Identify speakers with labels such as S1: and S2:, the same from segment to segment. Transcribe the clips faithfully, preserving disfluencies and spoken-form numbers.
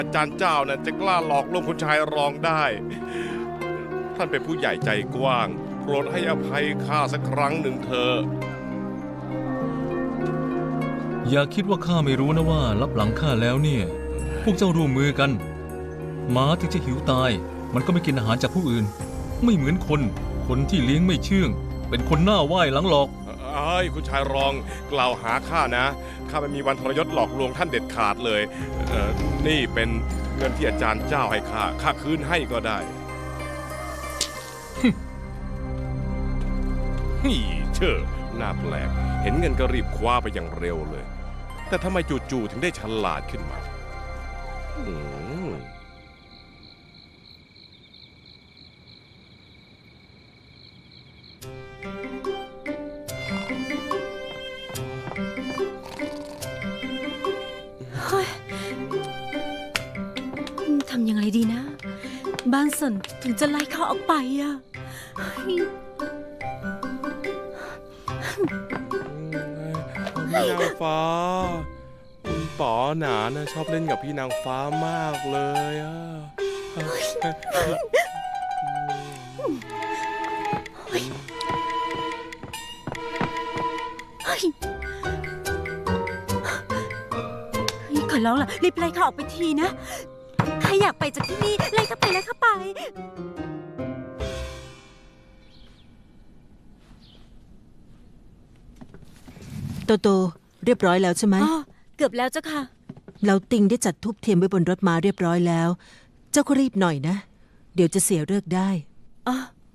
S1: อาจารย์เจ้านะจะกล้าหลอกลวงคุณชายรองได้ท่านเป็นผู้ใหญ่ใจกว้างโปรดให้อภัยข้าสักครั้งหนึ่งเถอะ
S2: อย่าคิดว่าข้าไม่รู้นะว่ารับหลังข้าแล้วเนี่ยพวกเจ้าร่วมมือกันหมาถึงจะหิวตายมันก็ไม่กินอาหารจากผู้อื่นไม่เหมือนคนคนที่เลี้ยงไม่เชื่องเป็นคนหน้าไหว้หลังหลอก
S1: เอ้ยคุณชายรองกล่าวหาข้านะข้าไม่มีวันทรยศหลอกลวงท่านเด็ดขาดเลยเออนี่เป็นเงินที่อาจารย์เจ้าให้ข้าข้าคืนให้ก็ได้นี่เชื่อน่าแปลกเห็นเงินก็รีบคว้าไปอย่างเร็วเลยแต่ทำไมจู่ๆถึงได้ฉลาดขึ้นมาอืม
S3: ทำยังไงดีนะบ้านสนถึงจะไล่เขาออกไปอะ
S1: พี่นางฟ้าคุณป๋อหนานะชอบเล่นกับพี่นางฟ้ามากเลยอะ
S3: ขอร้องล่ะรีบไล่เขาออกไปทีนะใครอยากไปจากที่นี่ไล่เขาไปไล่เขาไป
S4: โตโตเรียบร้อยแล้วใช่ไหม
S3: อ๋อเกือบแล้วเจ้าค่ะ
S4: เราติงได้จัดทูบเทียนไว้บนรถม้าเรียบร้อยแล้วเจ้าก็รีบหน่อยนะเดี๋ยวจะเสียเลิกได้
S3: อ๋อ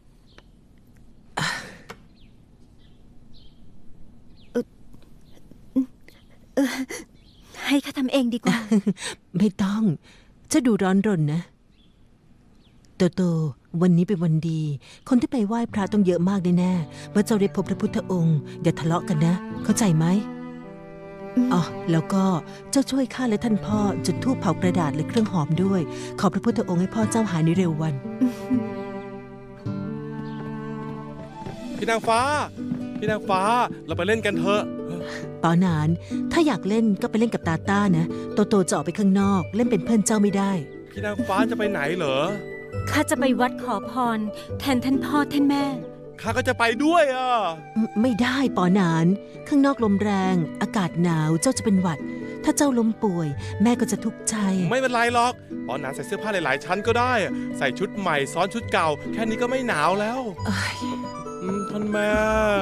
S3: เออให้ข้าทำเองดีกว่า
S4: ไม่ต้องจะดูร้อนรนนะโตโตวันนี้เป็นวันดีคนที่ไปไหว้พระต้องเยอะมากแน่ๆเมื่อเจ้าได้พบพระพุทธองค์อย่าทะเลาะกันนะเข้าใจไหมอ๋อแล้วก็เจ้าช่วยข้าและท่านพ่อจุดธูปเผากระดาษและเครื่องหอมด้วยขอพระพุทธองค์ให้พ่อเจ้าหายในเร็ววัน
S1: พี่นางฟ้าพี่นางฟ้าเราไปเล่นกันเถอะ
S4: ปอนานถ้าอยากเล่นก็ไปเล่นกับตาต้านะโตโตจะออกไปข้างนอกเล่นเป็นเพื่อนเจ้าไม่ได้
S1: พี่นางฟ้าจะไปไหนเหรอ
S3: ข้าจะไปวัดขอพรแทนท่านพ่อท่านแม่
S1: ข้าก็จะไปด้วยอ่ะ
S4: ไม่ได้ปอนานข้างนอกลมแรงอากาศหนาวเจ้าจะเป็นหวัดถ้าเจ้าล้มป่วยแม่ก็จะทุกข์ใจ
S1: ไม่เป็นไรหรอกปอนานใส่เสื้อผ้าหลายๆชั้นก็ได้ใส่ชุดใหม่ซ้อนชุดเก่าแค่นี้ก็ไม่หนาวแล้วท่านแม่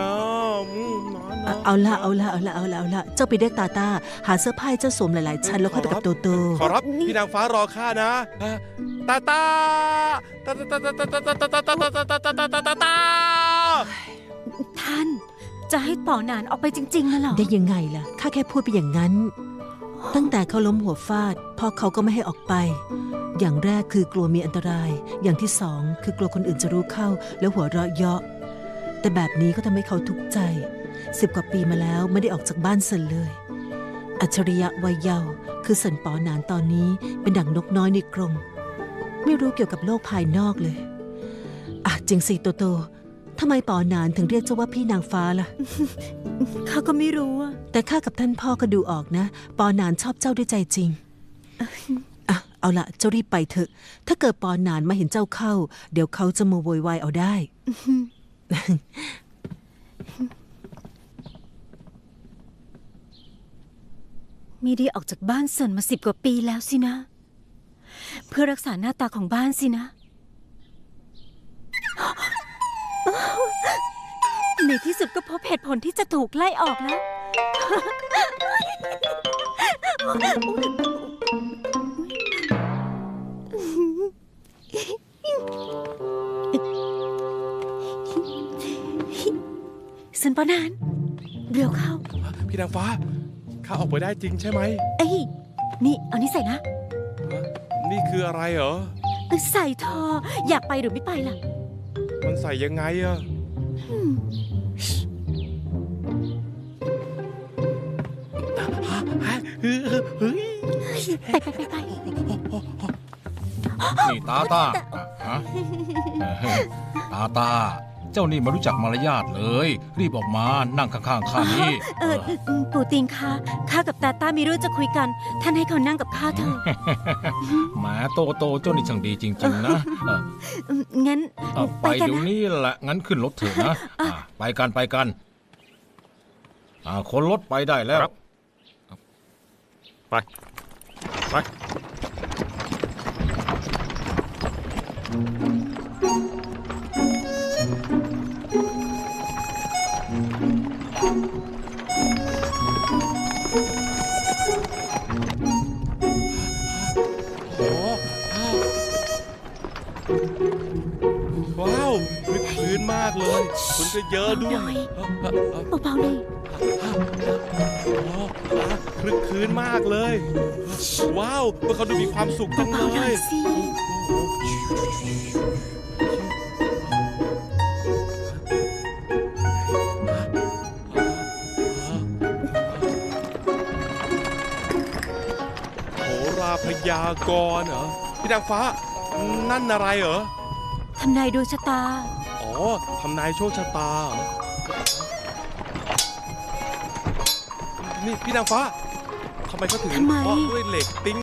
S4: เอาละเอาละเอาละเอาละเอาละเจ้าไปเรียกตาตาหาเสื้อผ้าเจ้าสวมหลายๆชั้นแล้วค่อยไปกับโตโต
S1: ขอรับพี่นางฟ้ารอข้านะตาตาตาตาตาตาตาตาตาตาตาตาตาตาตาตาตาตา
S3: ท่านจะให้ป่อหนานออกไปจริงๆนะหรอ
S4: ได้ยังไงล่ะข้าแค่พูดไปอย่างนั้นตั้งแต่เขาล้มหัวฟาดพ่อเขาก็ไม่ให้ออกไปอย่างแรกคือกลัวมีอันตรายอย่างที่สองคือกลัวคนอื่นจะรู้เข้าแล้วหัวเราะเยาะแต่แบบนี้ก็ทำให้เขาทุกข์ใจสิบกว่าปีมาแล้วไม่ได้ออกจากบ้านเซินเลยอัจฉริยะวัยเยาว์คือเซินป๋อหนานตอนนี้เป็นดั่งนกน้อยในกรงไม่รู้เกี่ยวกับโลกภายนอกเลยอ่ะจริงสิโตโตทำไมป๋อหนานถึงเรียกเจ้าว่าพี่นางฟ้าล่ะ
S3: ข้าก็ไม่รู้
S4: แต่ข้ากับท่านพ่อก็ดูออกนะป๋อหนานชอบเจ้าด้วยใจจริงอ่ะเอาละเจ้ารีบไปเถอะถ้าเกิดป๋อหนานมาเห็นเจ้าเข้าเดี๋ยวเขาจะมาโวยวายเอาได้
S3: ไม่ได้ออกจากบ้านเซินมาสิบกว่าปีแล้วสินะเพื่อรักษาหน้าตาของบ้านสินะในที่สุดก็พบเหตุผลที่จะถูกไล่ออกแล้วเซินป๋อหนานเร็วเข้า
S1: พี่นางฟ้าข้าออกไปได้จริงใช่ไหม
S3: เอ้ยนี่เอานี่ใส่นะ
S1: นี่คืออะไรเหรอ
S3: ใส่ทออยากไปหรือไม่ไปล่ะ
S1: มันใส่ยังไงอะ
S3: ไปไปไปไป
S2: นี่ตาตาฮะตาตาเจ้านี่ไม่รู้จักมารยาทเลย
S5: รีบออกมานั่งข้างๆข้านี้
S3: เออปู่ติงคะข้ากับตาต้ามีเรื่องจะคุยกัน ท่านให้เขานั่งกับข้าเถอะ
S5: แหมโตโตเจ้านี่ช่างดีจริง ๆ นะเออ
S3: อืมงั้น
S5: เออ
S3: ไป
S5: ไป
S3: กัน
S5: เดี๋ยว
S3: นะ
S5: นี้แหละงั้นขึ้นรถเถอะนะอ่ะไปกันไปกันอ่าคนรถไปได้แล้ว
S1: ครับ ไป ไป โอ้ว้าวคึกคืนมากเลย คนก็เยอะด้วยเอ่อเอ่อเอ่อ
S3: เบาๆหน่อย
S1: อ๋ออ่ะคลึกคืนมากเลย ว้าวพวกเขาดูมีความสุขจังเล
S3: เบาๆหน่อย ยสิ
S1: โหราพยากรณ์เหรอ พี่นางฟ้า นั่นอะไรเหรอ
S3: ทำนายดวงชะตา
S1: อ๋อ ทำนายโชคชะตาเหรอ นี่พี่นางฟ้า ทำไมเขาถึง
S3: ทำไม
S1: เคาะด้วยเหล็กติ๊ง